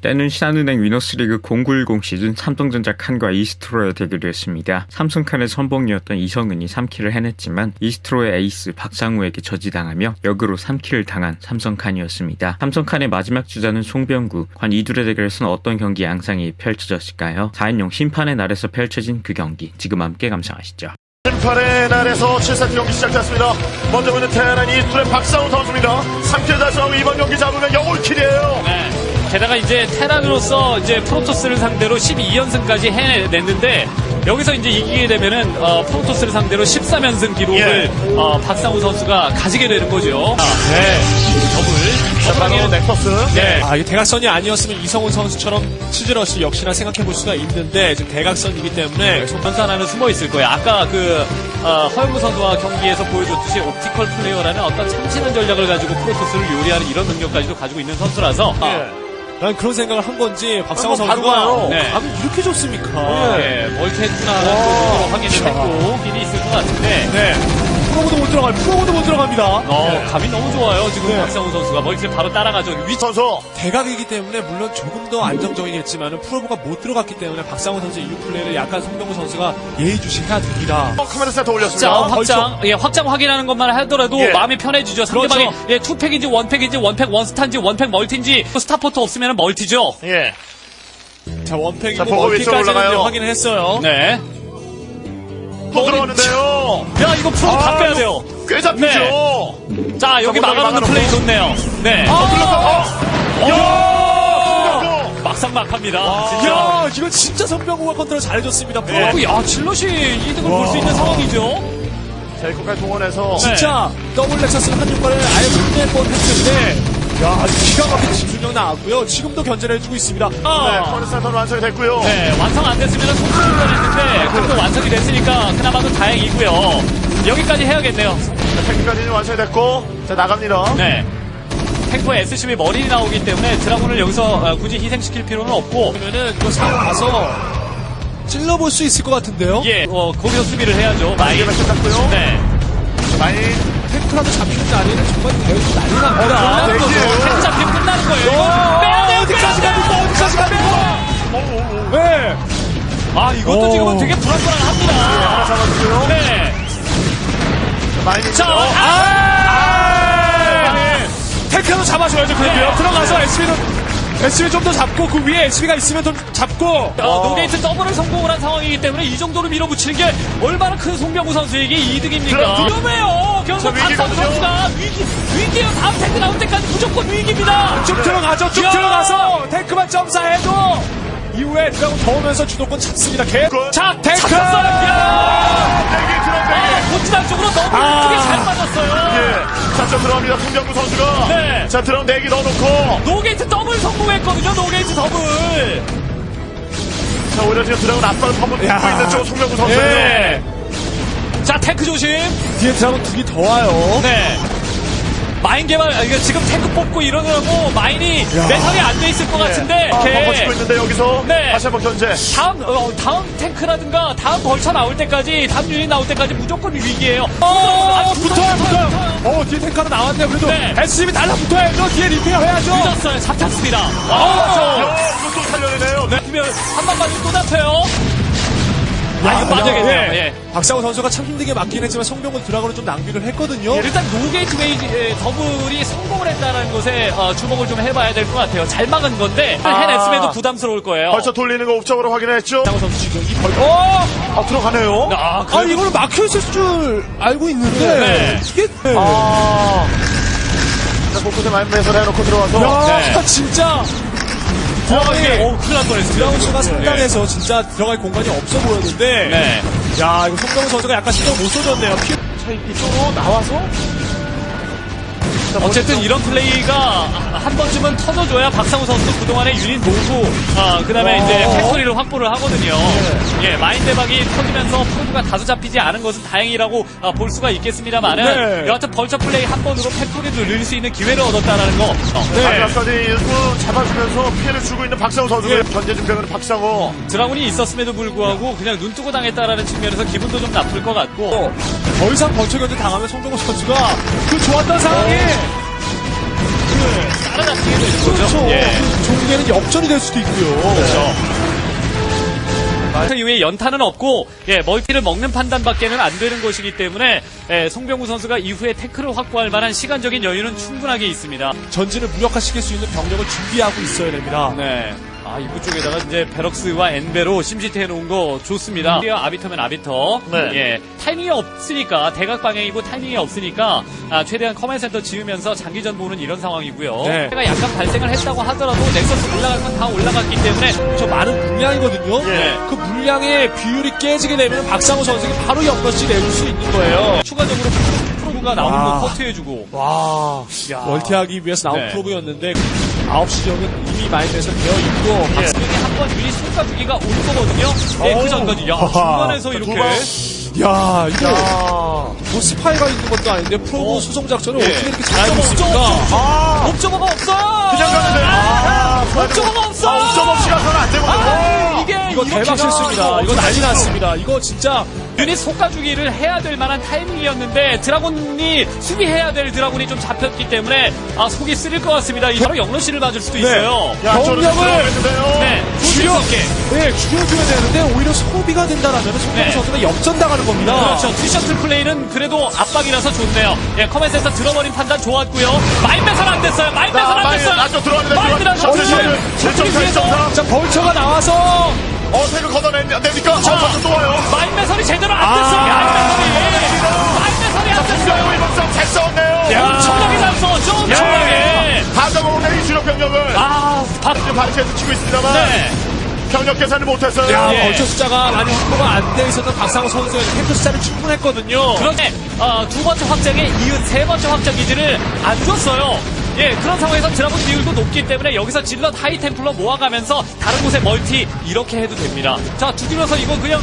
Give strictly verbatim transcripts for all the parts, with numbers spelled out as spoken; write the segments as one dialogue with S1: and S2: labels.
S1: 때는 신한은행 위너스리그 공구일공 시즌 삼성전자 칸과 이스트로의 대결이었습니다. 삼성 칸의 선봉이었던 이성은이 삼 킬을 해냈지만 이스트로의 에이스 박상우에게 저지당하며 역으로 삼 킬을 당한 삼성 칸이었습니다. 삼성 칸의 마지막 주자는 송병구, 관 이둘의 대결에서는 어떤 경기 양상이 펼쳐졌을까요? 사 인용 심판의 날에서 펼쳐진 그 경기 지금 함께 감상하시죠.
S2: 심판의 날에서 칠 세트 경기 시작됐습니다. 먼저 보는 테란 이스트로의 박상우 선수입니다. 삼 킬 달성하고 이번 경기 잡으면 영월킬이에요.
S3: 네. 게다가 이제 테란으로서 이제 프로토스를 상대로 십이 연승까지 해냈는데 여기서 이제 이기게 되면은 어, 프로토스를 상대로 십삼 연승 기록을
S2: 예.
S3: 어, 박상우 선수가 가지게 되는 거죠.
S2: 네.
S3: 더블.
S2: 자, 바로 넥서스.
S3: 네.
S4: 아, 이게 대각선이 아니었으면 이성훈 선수처럼 치즈러시 역시나 생각해 볼 수가 있는데 지금 대각선이기 때문에
S3: 선수 하나는 숨어 있을 거예요. 아까 그 어, 허영무 선수와 경기에서 보여줬듯이 옵티컬 플레이어라는 어떤 참신한 전략을 가지고 프로토스를 요리하는 이런 능력까지도 가지고 있는 선수라서.
S2: 예.
S4: 난 그런 생각을 한 건지 박상우
S2: 한번 바로
S4: 선수가
S2: 가요.
S3: 네.
S4: 감이 이렇게 좋습니까?
S3: 네, 멀티했구나라는 것으로 확인을 했고 길이 있을 것 같은데
S4: 네. 프로보도 못 들어가요. 프로보도 못 들어갑니다.
S3: 어,
S4: 네.
S3: 감이 너무 좋아요. 지금
S4: 네.
S3: 박상우 선수가 멀티를 바로 따라가죠. 위
S2: 선수.
S4: 대각이기 때문에 물론 조금 더 안정적이겠지만 프로보가 못 들어갔기 때문에 박상우 선수의 이후 플레이를 약간 송병구 선수가 예의주시해야 됩니다.
S2: 어, 카메라 센터
S3: 자,
S2: 올렸습니다.
S3: 확장, 예, 확장 확인하는 것만 하더라도
S2: 예.
S3: 마음이 편해지죠. 상대방이,
S4: 그렇죠.
S3: 예, 투팩인지 원팩인지 원팩 원스타인지 원팩 멀티인지 스타포트 없으면 멀티죠.
S2: 예.
S4: 자,
S2: 자,
S4: 원팩이고
S2: 보고 위쪽으로
S4: 멀티까지는
S2: 올라가요.
S4: 이제 확인을 했어요.
S3: 네.
S2: 또 들어가는데요.
S3: 야, 이거 프로 다
S2: 아,
S3: 빼야 돼요.
S2: 꽤 잡히죠.
S3: 자, 여기
S2: 자,
S3: 막아놓는
S2: 막아놓고.
S3: 플레이 좋네요. 네.
S2: 어, 들렸어. 어. 야!
S3: 막상막합니다. 진짜.
S4: 야, 이거 진짜 송병구가 컨트롤 잘해줬습니다. 프로.
S2: 네.
S3: 야, 질럿이 이득을 볼 수 있는 상황이죠.
S2: 자, 이거까지 동원해서.
S4: 진짜 더블 렉서스는 한 효과를 아예 못낼 뻔했는데 야, 기가 막힌 집중력 나왔고요. 지금도 견제를 해주고 있습니다.
S2: 네,
S3: 아.
S2: 카메라 센터는 완성이 됐고요.
S3: 네, 완성 안 됐으면 손실을 뻔했는데 그래도 완성이 됐으니까 그나마도 다행이고요. 여기까지 해야겠네요.
S2: 자, 탱크까지는 완성이 됐고. 자, 나갑니다.
S3: 네. 탱커의 에스씨브이 머리이 나오기 때문에 드라군을 여기서 어, 굳이 희생시킬 필요는 없고
S4: 그러면은 이거 상황 가서 찔러볼 수 있을 것 같은데요?
S3: 예, 어, 거기서 수비를 해야죠. 많이.
S2: 이게 끝났고요.
S3: 네.
S2: 자, 많이.
S4: 탱크라도 잡히는 날에는 정말 대우도 난리 납니다.
S3: 끝나는 거죠.
S2: 대기예요.
S3: 탱크 잡히면 끝나는 거예요. 이거 빼야 돼요.
S4: 어디까지
S3: 빼야
S4: 갑니까?
S3: 돼요.
S4: 어디까지 갑니까?
S2: 오, 오, 오.
S4: 네.
S3: 아, 이것도
S4: 오.
S3: 지금은 되게
S2: 하나
S3: 불안불안합니다.
S2: 잡았고요.
S3: 네.
S2: 자, 많이.
S3: 자,
S2: 어,
S3: 아!
S4: 탱크라도 잡아줘야죠. 그래도요.
S3: 네.
S4: 들어가서 에스비는 에스비 좀 더 잡고 그 위에 에스비가 있으면 좀 잡고
S3: 어, 노게이트 더블을 성공을 한 상황이기 때문에 이 정도로 밀어붙이는 게 얼마나 큰 송병구 선수에게 이득입니까?
S2: 그럼,
S3: 위험해요. 결국
S2: 저
S3: 박상우
S2: 위기거든요.
S3: 선수가 위기, 위기예요. 다음 탱크 나올 때까지 무조건 위기입니다.
S4: 쭉 들어가죠. 쭉
S3: 야.
S4: 들어가서 탱크만 점사해도 이후에 드라곤 더 오면서 주도권 잡습니다. 개.
S3: 자,
S4: 탱크!
S3: 잡혔어요. 야!
S2: 대기 들어온
S3: 아,
S2: 대기.
S3: 본진한 쪽으로 너무
S4: 아.
S3: 예쁘게 잘 맞았어요.
S2: 예. 자, 저 들어갑니다. 송병구 선수가.
S3: 네.
S2: 자, 들어온 대기 넣어놓고.
S3: 노게이트 더블 성공했거든요. 노게이트 더블.
S2: 자, 오히려 지금 드라곤 앞발을 한번
S4: 야.
S2: 붙고 있는 쪽 송병구 선수예요.
S3: 네. 자, 탱크 조심.
S4: 뒤에 드라곤 두 개 더 와요.
S3: 네. 마인 개발, 아, 이거 지금 탱크 뽑고 이러느라고 마인이 매설이 안 돼 있을 것 같은데.
S2: 아,
S3: 이렇게
S2: 벙커 치고 있는데 여기서.
S3: 네.
S2: 다시 한번 견제.
S3: 다음, 어, 다음 탱크라든가 다음 벌처 나올 때까지, 다음 유닛 나올 때까지 무조건 위기예요. 아,
S4: 붙어요, 붙어요. 어, 뒤에 탱크 하나 나왔네요. 그래도
S3: 네.
S4: 에스비 달라붙어야죠. 뒤에 리페어 해야죠.
S3: 늦었어요. 잡혔습니다.
S2: 야,
S3: 아,
S2: 이거 또 살려내네요. 네.
S3: 그러면 한방 맞으면 또 잡혀요. 아, 이거 맞아야겠네요.
S4: 예.
S3: 예.
S4: 박상우 선수가 참 힘들게 맞긴 했지만 송병구 드라곤을 좀 낭비를 했거든요.
S3: 일단 노게이트 웨이지 에, 더블이 성공을 했다는 것에 어, 주목을 좀 해봐야 될 것 같아요. 잘 막은 건데
S2: 아.
S3: 해냈음에도 부담스러울 거예요.
S2: 벌써 돌리는 거 옵적으로 확인했죠.
S4: 박상우 선수 지금 이 벌. 어!
S2: 아, 들어가네요.
S3: 아,
S4: 아,
S3: 그래도-
S4: 이거는 막혀 있을 줄 알고 있는데
S3: 네.
S4: 이게 네.
S2: 아. 자, 곳곳에 많이 매설 해놓고 들어와서.
S4: 야,
S3: 네.
S4: 진짜
S3: 어, 이게, 어, 큰일 날 뻔했습니다.
S4: 드라곤 수가 상단에서 진짜 들어갈 공간이 없어 보였는데
S3: 네.
S4: 야, 이거 송병구 선수가 약간 신경 못 써줬네요. 피...
S2: 자, 이쪽으로 나와서. 자,
S3: 어쨌든 이런 플레이가 한 번쯤은 터져줘야 박상우 선수도 그동안의 유닛 모으고 아, 그 다음에
S2: 어.
S3: 이제 팩토리를 확보를 하거든요. 예, 마인 대박이 터지면서 프로브가 다소 잡히지 않은 것은 다행이라고 아, 볼 수가 있겠습니다만은
S4: 네.
S3: 여하튼 벌처 플레이 한 번으로 팩토리를 늘릴 수 있는 기회를 얻었다는 거. 어,
S4: 네.
S2: 마지막까지 일부 잡아주면서 피해를 주고 있는 박상우 선수고요. 견제 준비하는 박상우.
S3: 드라군이 있었음에도 불구하고 그냥 눈 뜨고 당했다라는 측면에서 기분도 좀 나쁠 것 같고.
S4: 더 이상 번쩍 견제 당하면 송병구 선수가 그 좋았던 상황이 그
S3: 따라잡히게 되는 거죠.
S4: 그렇죠.
S3: 예.
S4: 종에는 역전이 될 수도 있고요.
S3: 그렇죠. 그 이후에 연타는 없고 예, 멀티를 먹는 판단밖에는 안 되는 것이기 때문에 예, 송병구 선수가 이후에 태클을 확보할 만한 시간적인 여유는 충분하게 있습니다.
S4: 전진을 무력화시킬 수 있는 병력을 준비하고 있어야 됩니다.
S3: 네. 아, 입구 쪽에다가 이제 베럭스와 엔베로 심시티 해놓은 거 좋습니다. 아비터면 아비터.
S2: 네.
S3: 예. 타이밍이 없으니까, 대각 방향이고 타이밍이 없으니까, 아, 최대한 커맨 센터 지으면서 장기전 보는 이런 상황이고요.
S4: 네.
S3: 가 약간 발생을 했다고 하더라도 넥서스 올라갈 건 다 올라갔기 때문에.
S4: 저 많은 물량이거든요.
S2: 예.
S4: 그 물량의 비율이 깨지게 되면 박상호 선수가 바로 연거시 내줄 수 있는 거예요.
S3: 추가적으로 프로브가 나오는
S4: 와.
S3: 거 커트해주고.
S4: 와,
S3: 야.
S4: 멀티하기 위해서 나온
S3: 네.
S4: 프로브였는데 아홉 시 지역은 이미 마인드에서 되어 있고
S3: 박승현이 한번 유닛 쏟아주기가 올 거거든요. 예, 그 전까지. 야, 중간에서
S2: 두
S3: 이렇게.
S2: 방.
S4: 야 이거
S2: 야.
S4: 뭐 스파이가 있는 것도 아닌데 프로브
S3: 어.
S4: 수송 작전을
S3: 예.
S4: 어떻게 이렇게 잘
S3: 아,
S4: 하고
S3: 옵저버,
S4: 있습니까?
S2: 아,
S3: 옵저버가 없어!
S2: 그냥 가는데. 아,
S3: 옵저버가 없어!
S2: 아, 옵저버 없이 가서는 안 되거든요.
S3: 아, 이게
S4: 이거
S3: 이렇게가
S4: 대박 실수입니다. 이거 난리 났습니다. 이거 진짜
S3: 유닛 속가주기를 해야 될 만한 타이밍이었는데 드라곤이 수비해야 될 드라곤이 좀 잡혔기 때문에 아 속이 쓰릴 것 같습니다. 이 바로 영러시를 맞을 수도 있어요.
S2: 야, 저는
S4: 병력을-
S2: 들어가겠는데요.
S3: 네,
S4: 줄여,
S3: 조심스럽게.
S4: 네, 줄여줘야 되는데 오히려 소비가 된다라면 송병호
S3: 네.
S4: 선수가 역전당하는 겁니다.
S3: 그렇죠. 투셔틀 플레이는 그래도 압박이라서 좋네요. 예, 커맨센터 들어버린 판단 좋았고요. 마인 매선 안 됐어요. 마인 매선 안
S2: 마인,
S3: 됐어요.
S2: 안쪽 들어왔는데
S3: 마인
S2: 들어왔-
S3: 들어왔-
S2: 셔틀, 셔틀. 칠 점 사, 일 점 사.
S4: 자, 벌처가 나와서
S2: 어, 태그 걷어냅니까? 됩니까?
S3: 자.
S2: 아, 또 와요.
S3: 마인 매선이 제대로 안
S2: 아,
S3: 됐어요. 마인 매선이.
S2: 야.
S3: 마인 매선이 안 됐어요.
S2: 승리하고 이번 싸움 잘 싸웠네요.
S3: 엄청나게 잘 싸웠죠. 엄청나게.
S2: 다 잡아오네, 이 주력 병력을.
S3: 아, 박.
S2: 지금 바리케이드 치고 있습니다만.
S3: 네.
S2: 병력 계산을 못했어요.
S4: 야,
S3: 예.
S4: 벌처 숫자가 많이 확보가 안 돼 있었던 박상호 선수의 탱크 숫자는 충분했거든요.
S3: 그런데 어, 두 번째 확장에 이은 세 번째 확장 기지를 안 줬어요. 예, 그런 상황에서 드라곤 비율도 높기 때문에 여기서 질럿 하이 템플러 모아가면서 다른 곳에 멀티 이렇게 해도 됩니다. 자, 두드려서 이거 그냥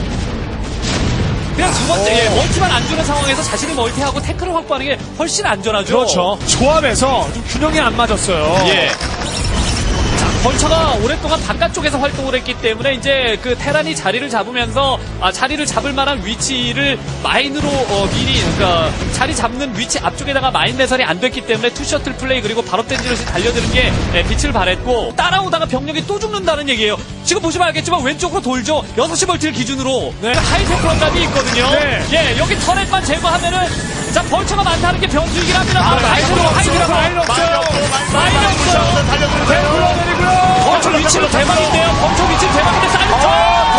S3: 그냥 두 번째 예, 멀티만 안 주는 상황에서 자신이 멀티하고 태클을 확보하는 게 훨씬 안전하죠.
S4: 그렇죠. 조합에서 좀 균형이 안 맞았어요.
S3: 예. 자, 벌처가 오랫동안 바깥쪽에서 활동을 했기 때문에 이제 그 테란이 자리를 잡으면서 아, 자리를 잡을 만한 위치를 마인으로 어, 미리 그러니까 자리 잡는 위치 앞쪽에다가 마인 내설이 안 됐기 때문에 투셔틀 플레이 그리고 바로 댄지러시 달려드는 게 예, 빛을 발했고 따라오다가 병력이 또 죽는다는 얘기예요. 지금 보시면 알겠지만 왼쪽으로 돌죠. 여섯 시 멀티를 기준으로 네. 하이테크론까지 있거든요.
S4: 네.
S3: 예, 여기 터렛만 제거하면은 자 벌처가 많다는 게 변수이긴 합니다.
S4: 아,
S3: 하이테크론
S4: 마인
S3: 하이테크론
S4: 마인 없어요.
S3: 마인 없어요.
S2: 달려들어요.
S4: 내리고요.
S3: 범초 위치는 대박인데요. 범초 위치는 대박인데 사이먼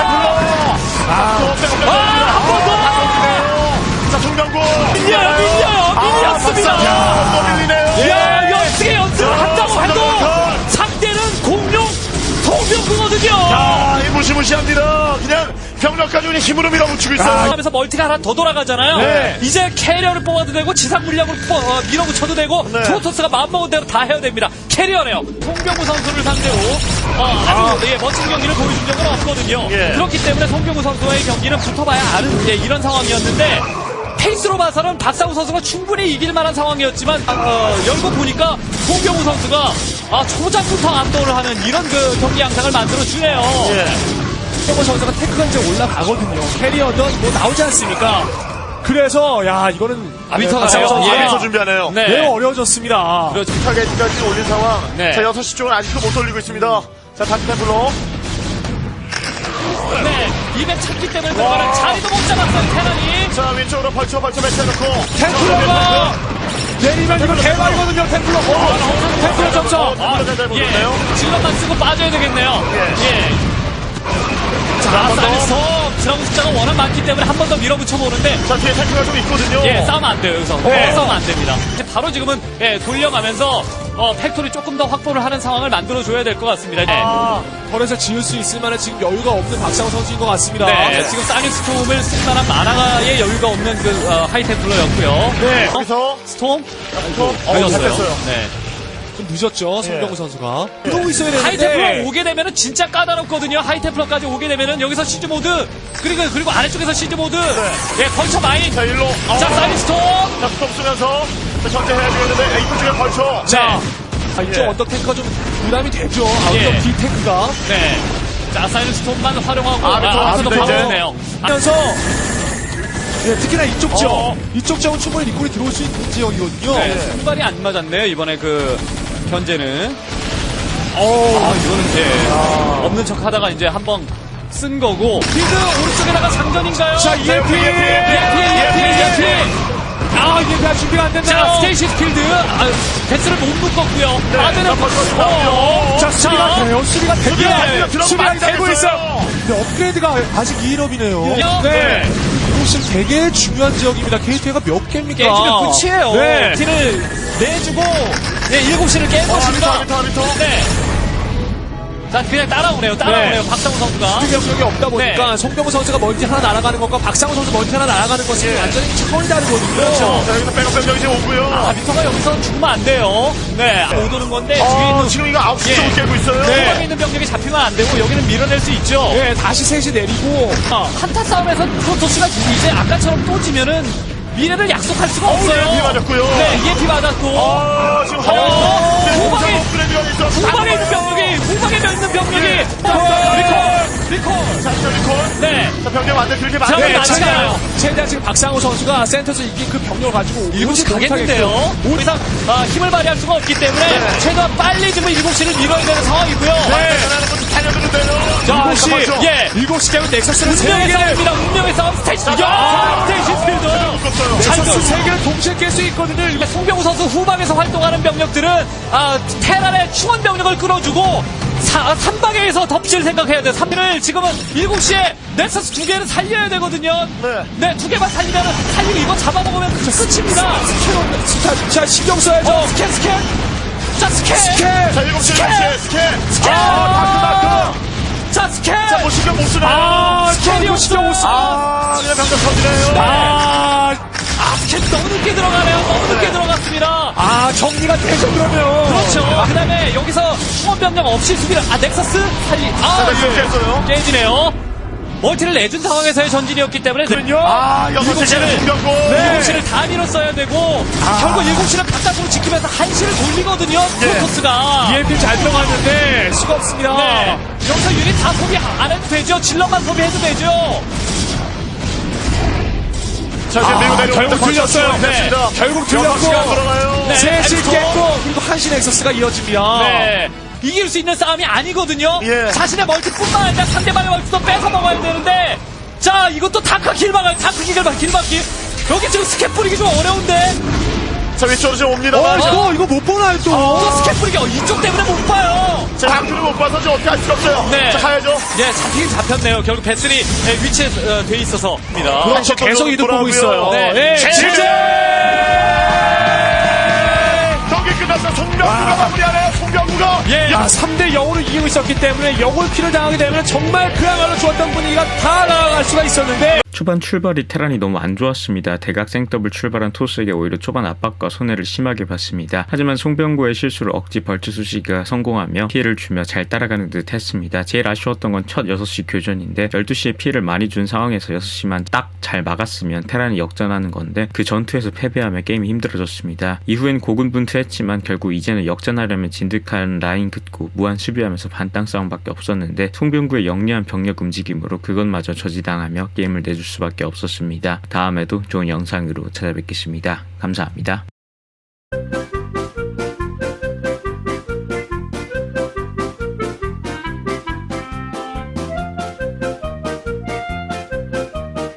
S3: 아한번 더.
S2: 자, 송병구.
S3: 밀려요, 밀려요, 밀렸습니다.
S2: 야, 또 밀리네요.
S3: 야, 연습에 연습을 한다고 해도
S2: 선.
S3: 상대는 공룡 송병구거든요.
S2: 아, 이 무시무시합니다. 그냥 병력까지 그냥 힘으로 밀어붙이고 있어요.
S3: 하면서 멀티가 하나 더 돌아가잖아요.
S2: 네.
S3: 이제 캐리어를 뽑아도 되고 지상 물량으로 뽑- 어, 밀어붙여도 되고
S2: 네.
S3: 프로토스가 마음먹은 대로 다 해야 됩니다. 캐리어네요. 송병구 선수를 상대로 어, 아주 예, 멋진 경기를 보여준 적은 없거든요.
S2: 예.
S3: 그렇기 때문에 송병구 선수와의 경기는 붙어봐야 아는 예, 이런 상황이었는데 페이스로 봐서는 박상우 선수가 충분히 이길 만한 상황이었지만 어, 열고 보니까 송병구 선수가 아, 초작부터 압도를 하는 이런 그 경기 양상을 만들어주네요.
S2: 예.
S4: 송병호 선수가 테크가 이제 올라가거든요. 캐리어든 뭐 나오지 않습니까? 그래서 야 이거는
S3: 아비터가
S4: 박상호
S3: 돼요.
S4: 선수가
S3: 예.
S2: 아비터 준비하네요.
S3: 네.
S4: 매우 어려워졌습니다.
S3: 그렇죠.
S2: 타겟까지 올린 상황.
S3: 네.
S2: 자, 여섯 시 쪽은 아직도 못 돌리고 있습니다. 자, 다시 템플로.
S3: 네, 입에 찼기 때문에 들어가는 자리도 못 잡았어요, 테란이.
S2: 자, 왼쪽으로 벌쳐 벌쳐 매치해놓고.
S4: 탱크로가 내리면 이거 대박이거든요. 탱크로. 어, 탱크로 점점.
S2: 어, 탱크로 잘 보였네요.
S3: 예, 질럿만 쓰고 빠져야 되겠네요.
S2: 예.
S3: 자, 사이언스톱 드라군 숫자가 워낙 많기 때문에 한 번 더 밀어붙여보는데
S2: 자, 뒤에 탱크가 좀 있거든요.
S3: 예, 싸우면 안 돼요, 여기서.
S4: 네.
S3: 어, 싸우면 안 됩니다. 이제 바로 지금은 예, 돌려가면서 어, 팩토리 조금 더 확보를 하는 상황을 만들어줘야 될 것 같습니다. 네.
S4: 아, 털에서 지을 수 있을 만한 지금 여유가 없는 박상호 선수인 것 같습니다.
S3: 네, 지금 사이언스톰을 쓸 만한 만화의 여유가 없는 그 어, 하이템플러였고요.
S2: 네,
S3: 어?
S2: 여기서.
S3: 스톰?
S2: 스톰. 어,
S3: 걸렸어요.
S2: 됐어요.
S3: 네.
S4: 좀 늦었죠. 송병호
S2: 예.
S4: 선수가. 이러고 있어야 되는데.
S3: 하이템플러 오게 되면은 진짜 까다롭거든요. 하이템플러까지 오게 되면은 여기서 시즈 모드 그리고 그리고 아래쪽에서 시즈 모드 예 걸쳐 마인
S2: 자, 일로. 어.
S3: 자 사이스톰
S2: 자, 스톱 쓰면서. 자, 전제해야 되겠는데, 이쪽 쪽에 벌쳐.
S4: 자, 아, 이쪽
S2: 예.
S4: 언덕 탱크가 좀 부담이 되죠. 아,
S3: 예.
S4: 언덕 뒤 탱크가.
S3: 네자 사이스톰만 활용하고
S2: 아, 또
S3: 앞서도
S2: 앞서 이제.
S3: 바꾸네요.
S4: 하면서 예, 특히나 이쪽 지역,
S2: 어.
S4: 이쪽 지역은 충분히 리콜이 들어올 수 있는 지역이거든요.
S3: 네, 손발이 안 맞았네요 이번에 그 현재는. 어, 아, 이거는 이제 없는 척 하다가 이제 한번 쓴 거고. 필드 오른쪽에다가 장전인가요?
S4: 자, 이엠피!
S3: 이엠피, 이엠피, 이엠피.
S4: 아, 이게 다 준비가 안
S3: 자,
S4: 된다.
S3: 스테이시 필드. 아, 패스를 못 묶었고요.
S2: 네,
S3: 아드는
S2: 어,
S4: 자, 수비가 돼요. 수비가 됩니다.
S3: 예,
S2: 들어가면
S4: 수비가
S2: 많이
S4: 되고
S2: 당했어요.
S4: 있어. 근데 업그레이드가 아직 이 일업이네요.
S3: 네.
S4: 이거 지금 되게 중요한 지역입니다. 게이트웨이가 몇 개입니까?
S3: 게임은 끝이에요.
S4: 네.
S3: 티를 내주고, 네, 일곱 시를 깬 것입니다.
S2: 하비터, 하비터, 하비터.
S3: 네. 자, 그냥 따라오네요. 따라오네요.
S4: 네.
S3: 박상우 선수가.
S4: 경력이 없다 보니까
S3: 네.
S4: 송병호 선수가 멀티 하나 날아가는 것과 박상우 선수 멀티 하나 날아가는 것이
S2: 예.
S4: 완전히 차원이 다르거든요.
S3: 그렇죠.
S2: 자, 여기서 백업 병력이 이제 오고요.
S3: 아, 비터가 여기서 죽으면 안 돼요. 네. 못 오는 건데, 뒤에
S2: 어,
S3: 있는
S2: 지금 이거 아홉 시
S3: 예.
S2: 쪽을 깨고 있어요.
S3: 후방에 있는 병력이 잡히면 안 되고, 여기는 밀어낼 수 있죠.
S4: 네, 다시 셋이 내리고
S3: 아, 한타 싸움에서 프로토스가 이제 아까처럼 또 지면은 미래를 약속할 수가 없어요.
S2: 이엠피 맞았고요.
S3: 네, 이엠피 맞았고.
S2: 어, 지금
S3: 어,
S2: 화면에서
S3: 후방에-
S2: 업그레이드가 있어.
S3: 후방에 있는 병력이, 후방에 있는 병력이.
S2: 네.
S3: 리콜! 리콜!
S2: 자, 저 리콜.
S3: 네.
S2: 자, 병력 완전 들게
S3: 자,
S2: 많이
S3: 네,
S2: 했어요.
S3: 최대한.
S4: 최대한 지금 박상우 선수가 센터에서 이긴 그 병력을 가지고
S3: 일곱 시
S4: 오지
S3: 가겠는데요.
S4: 못하겠고요.
S3: 오 이상 아, 힘을 발휘할 수가 없기 때문에
S2: 네.
S3: 최대한 빨리 지금 일곱 시를 밀어야 되는 상황이고요.
S2: 네. 하나는 것도 달려드는데요.
S3: 자,
S4: 일곱 시,
S2: 잠깐만요.
S3: 예.
S4: 일곱 시 되면 넥서스를 세
S3: 운명의
S4: 개를
S3: 싸움입니다. 운명의 싸움 스테이시.
S2: 자,
S3: 야, 스테이시 필드.
S2: 묶었어요.
S4: 넥서스 세 개를 동시에 깰 수 있거든요.
S3: 송병우 선수 후방에서 활동하는 병력들은 아, 테란의 충원 병력을 끌어주고 사, 삼방에서 덮칠 생각해야 돼요. 삼 를 지금은 일곱 시에 넥서스 두 개를 살려야 되거든요.
S2: 네.
S3: 네, 두 개만 살리면 살리고 이거 잡아먹으면 끝입니다.
S4: 자, 자, 신경 써야죠.
S3: 어, 스캔 스캔. 자, 스캔.
S4: 스캔.
S2: 자, 일곱 시,
S3: 스캔!
S2: 일곱 시, 스캔.
S3: 스캔.
S2: 아, 다크, 다크.
S3: 자, 스캔.
S2: 자, 뭐 신경 못 쓰네요.
S3: 아, 스캔이
S4: 스캔이
S3: 없어.
S4: 신경 못 써.
S2: 아, 그냥 병력 터지네요.
S4: 아,
S3: 아, 스캔 너무 늦게 들어가네요. 너무 늦게 들어갔습니다.
S4: 아, 정리가 되죠, 그러면.
S3: 그렇죠. 그 다음에 여기서 충원 병력 없이 수비를, 아, 넥서스? 살리, 아,
S2: 자, 넥서스 깼어요.
S3: 깨지네요. 멀티를 내준 상황에서의 전진이었기 때문에.
S4: 그럼요.
S2: 아, 여섯
S3: 일곱
S2: 시는
S3: 시를-
S2: 숨겼고.
S3: 일곱 시를 다 밀었어야 되고, 결국 일곱 시를 바깥으로 지키면서 한 시를 돌리거든요. 프로토스가.
S4: 이엠피 잘 들어갔는데, 수가 없습니다.
S3: 네. 여기서 유닛 다 소비 안 해도 되죠. 질럿만 소비해도 되죠.
S2: 자, 지금 밀고 내려오는데
S4: 결국
S2: 벌써
S4: 들렸어요.
S2: 시간이 됐습니다.
S4: 결국
S2: 여섯 시간
S4: 들렸고.
S2: 돌아가요.
S3: 네.
S4: 셋이
S3: 엑스포.
S4: 깼고, 그리고 한시 넥서스가 이어집니다.
S3: 네. 이길 수 있는 싸움이 아니거든요.
S2: 예.
S3: 자신의 멀티뿐만 아니라 상대방의 멀티도 뺏어 먹어야 되는데, 자, 이것도 다크 길막을, 다크 길막, 길막기. 여기 지금 스캡 뿌리기 좀 어려운데,
S2: 자, 위쪽으로 지금 옵니다.
S4: 어, 이거, 이거 못 보나요, 또?
S3: 또 스캡 뿌리기, 어, 이쪽 때문에 못 봐요.
S2: 자, 다크를 못 봐서 지금 어떻게 할 수가 없어요.
S3: 네.
S2: 자, 가야죠.
S3: 예, 잡히긴 잡혔네요. 결국 배슬이 예, 위치에 어, 돼 있어서. 입니다.
S4: 그렇죠. 계속 이득 보고 있어요.
S3: 네.
S4: 네.
S3: 제재!
S2: 경기 끝났어. 송병구가 마무리하네요. 송병구가.
S3: 예.
S4: 야, 삼 대 영으로 이기고 있었기 때문에 영월피를 당하게 되면 정말 그야말로 좋았던 분위기가 다 나아갈 수가 있었는데
S1: 초반 출발이 테란이 너무 안 좋았습니다. 대각 생더블 출발한 토스에게 오히려 초반 압박과 손해를 심하게 봤습니다. 하지만 송병구의 실수를 억지 벌츠 수시가 성공하며 피해를 주며 잘 따라가는 듯 했습니다. 제일 아쉬웠던 건 첫 여섯 시 교전인데 열두 시에 피해를 많이 준 상황에서 여섯 시만 딱 잘 막았으면 테란이 역전하는 건데 그 전투에서 패배하며 게임이 힘들어졌습니다. 이후엔 고군분투했지만 결국 이제는 역전하려면 진득한 라인 긋고 무한 수비하면서 반땅 싸움밖에 없었는데 송병구의 영리한 병력 움직임으로 그것마저 저지당하며 게임을 내줄 수밖에 없었습니다. 다음에도 좋은 영상으로 찾아뵙겠습니다. 감사합니다.